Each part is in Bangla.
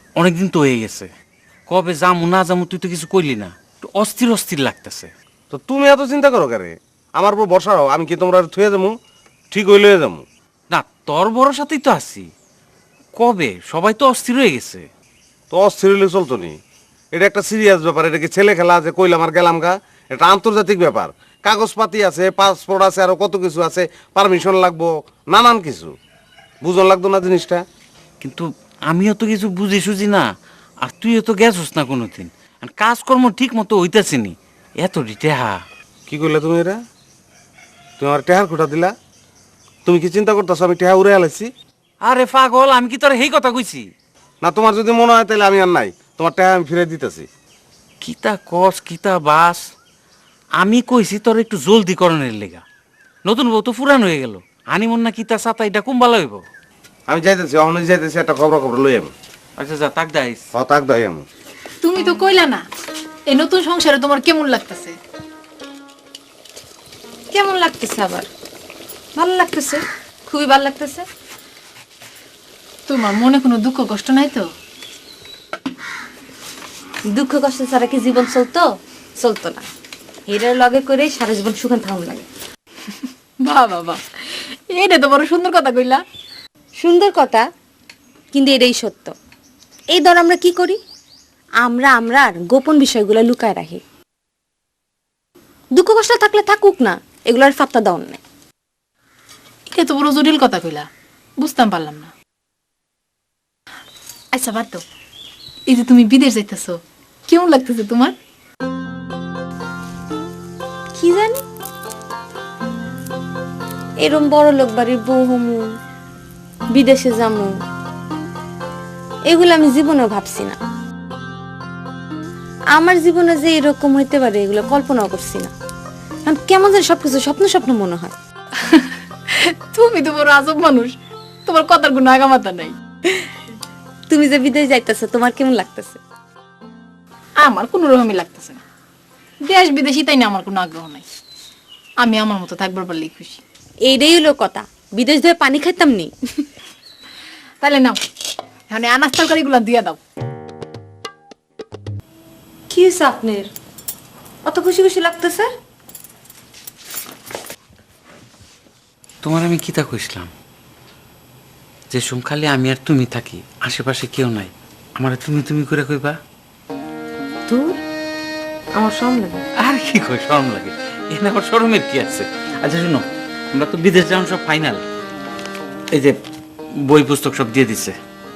অনেকদিন তো হয়ে গেছে, কবে যামু না যামু তুই তো কিছু কইলি না, একটু অস্থির অস্থির লাগতেছে। তো তুমি এত চিন্তা করো কেন? আমার উপর ভরসা রাখো, আমি কি তোমরা থুয়ে যাবো? ঠিক হইলে যাবো। না, তোর ভরসাতেই তো আছি। কবে? সবাই তো অস্থির হয়ে গেছে। তো অস্থির হইলে চলতো নি? এটা একটা সিরিয়াস ব্যাপার, এটা কি ছেলে খেলা আছে কইলাম আর গেলাম গা? এটা আন্তর্জাতিক ব্যাপার, কাগজপাতি আছে, পাসপোর্ট আছে, আরো কত কিছু আছে, পারমিশন লাগবো, নানান কিছু। বুঝন লাগতো না জিনিসটা? কিন্তু আমিও তো কিছু বুঝি সুঝি না, আর তুইও তো গেছস না কোনোদিন। আর কাজকর্ম ঠিক মতো হইতাছে নি, এত টেহা। কি করলে তুমি এটা? তুমি আমার টেহার খুঁটা দিলা? তুমি কি চিন্তা করতেছো আমি টেহা উড়ে আলাইছি? আরে পাগল, আমি কি তোর এই কথা কইছি? না, তোমার যদি মনে হয় তাহলে আমি আর নাই, তোমার টেহা আমি ফিরে দিতেছি। কিতা কস কিতা বাস, আমি কইছি তোর একটু জলদি করণের লেগা। নতুন বউ তো ফুরান হয়ে গেল, হানিমুন না কিতা সাতা এটা কুম্বালা হইব। আমি যাইতেছি, অহনে যাইতেছি, একটা খবর লই আমি। আচ্ছা যা, তাক দাইস। তাক দাই আমি। তুমি তো কইলা না এই নতুন সংসারে তোমার কেমন লাগতেছে? কেমন লাগতেছে আবার? ভালো লাগতেছে, খুবই ভালো লাগতেছে। তোমার মনে কোনো দুঃখ কষ্ট নাই তো? দুঃখ কষ্ট ছাড়া কি জীবন চলতো? চলতো না। এটার লগে করে সারা জীবন সুখান থাকুন লাগে। বাহ বাবা, এইটা তো বড় সুন্দর কথা কইলা। সুন্দর কথা, কিন্তু এটাই সত্য। এই ধর আমরা কি করি, আমরা আর গোপন বিষয়গুলো লুকায় রাখি। দুঃখ কষ্ট থাকলে থাকুক না, এগুলোর ফাত্তা দাও না। এটা তো বড় জটিল কথা কইলা, বুঝতাম পারলাম না। আচ্ছা বাদ দাও, এই যে তুমি বিদেশ যাইতেছো, কেমন লাগতেছে তোমার? কি জানি, এরম বড় লোক বাড়ির বউ হমু, বিদেশে যামু, এগুলো আমি জীবনেও ভাবছি না। আমার জীবনে যে এরকম হইতে পারে এগুলো কল্পনাও করছি না। কারণ কেমন যেন সবকিছু স্বপ্ন স্বপ্ন মনে হয়। তুমি তো বড় আজব মানুষ, তোমার কথার কোনো আগামাতা নাই। তুমি যে বিদেশ যাইতেছো, তোমার কেমন লাগতেছে? আমার কোনো রকমই লাগতেছে না। দেশ বিদেশি তাই না, আমার কোনো আগ্রহ নাই। আমি আমার মতো থাকবার পারলেই খুশি। এইটাই হলো কথা, বিদেশ ধরে পানি খাইতাম নি। তাহলে নাও, এখন আনাজ তরকারি গুলা দিয়ে দাও। কি হয়েছে আপনার, অত খুশি খুশি লাগতেছে? তোমার আমি কিতা কইছিলাম যে সুম খালি আমি আর তুমি থাকি, আশেপাশে কেউ নাই, আমার তুমি তুমি করে কইবা? দূর, আমার শরম লাগে। আর কি কই শরম লাগে? এখানে আবার শরমের কি আছে? আচ্ছা শুনো, আমরা তো বিদেশ যাওয়ার সব ফাইনাল, এই যে বই পুস্তক সব দিয়ে দিছে।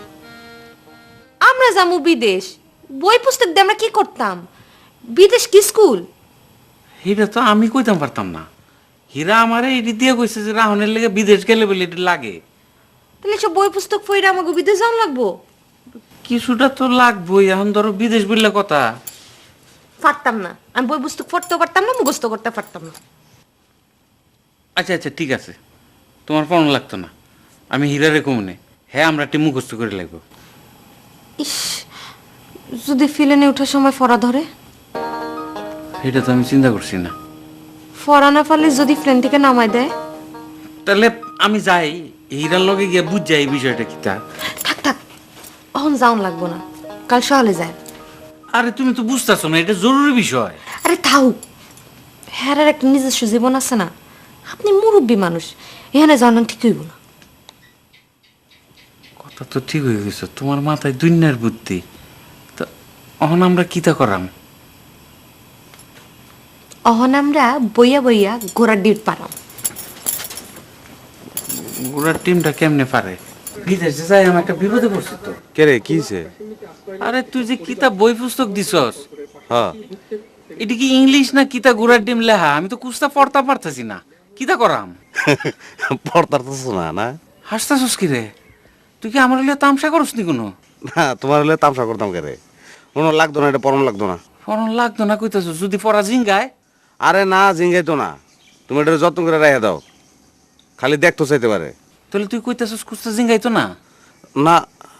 আমরা যাবো বিদেশ, বই পুস্তক দিয়ে আমরা কি করতাম? বিদেশ কি স্কুল? এটা তো আমি কইতাম পারতাম না। হীরা আমারে এটি দিয়ে কইছে যে রাহনের লেগে বিদেশ গেলে বলে এটা লাগে। তাহলে সব বই পুস্তক পড়ে আমাকে বিদেশ যাওয়া লাগবো? কিছুটা তো লাগবোই, এখন ধরো বিদেশ বললে কথা। পারতাম না, আমি বই পুস্তক পড়তেও পারতাম না, মুখস্থ করতে পারতাম না। আচ্ছা আচ্ছা ঠিক আছে, তোমার পড়ানো লাগতো না, আমি হীরারে কমনে, হ্যাঁ আমরা একটি মুখস্থ করে লাগবো। ইস, যদি ফিলেনে ওঠার সময় ফরা ধরে? এটা তো আমি চিন্তা করছি না। ফরা না পারলে যদি প্লেন থেকে নামায় দেয়? তাহলে আমি যাই, হীরার লগে গিয়ে বুঝ যাই এই বিষয়টা কি তা। থাক থাক, অহন যাওন লাগবো না, কাল সকালে যায়। আরে তুমি তো বুঝতেছো না, এটা জরুরি বিষয়। আরে থাও, হ্যাঁ একটা নিজস্ব জীবন আছে না, আপনি মুরব্বী মানুষ, এখানে জানান ঠিক হইব না। কথা তো ঠিক হয়ে গেছে, তোমার মাথায় দুনিয়ার বুদ্ধি। তো অহন আমরা কিতা করাম? অহন আমরা বইয়া বইয়া ঘোড়ার ডিট পারাম। ওরা টিমটা কেমনে পারে? বিদেশে যাই আমি একটা বিপদে পড়ছি তো। কে রে, কি হইছে? আরে তুই যে কিতা বই পুস্তক দিছস, হ্যাঁ, এটা কি ইংলিশ না কিতা গুড়ার ডিম লেহা? আমি তো কুস্তা পড়তা পারতাছি না, কিতা করাম? পড়তার তো শোনা না। হাসতাছস কি রে? তুই কি আমার লিয়ে তামসা করস নি কোনো? না, তোমার হলে তামসা করতাম কে রে? মনে লাগতো না, এটা পরম লাগতো না। পড়ন লাগতো না কইতাছস? যদি পড়া জিঙ্গায়? আরে না, জিঙ্গাই তো না, তুমি এটা যত্ন করে রেখে দাও, খালি দেখতো চাইতে পারে। তাহলে তুই কইতাছস কুস্তা জিঙ্গাইতো না? না,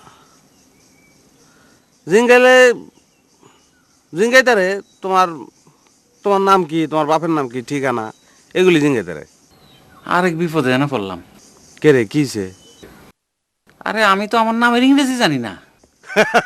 জিঙ্গাইলে জিঙ্গাইতারে তোমার, তোমার নাম কি, তোমার বাপের নাম কি, ঠিকানা, এগুলি জিঙ্গাইতারে। আরেক বিপদে না পড়লাম। কে রে, কিছে? আরে আমি তো আমার নামের ইংরেজি জানি না।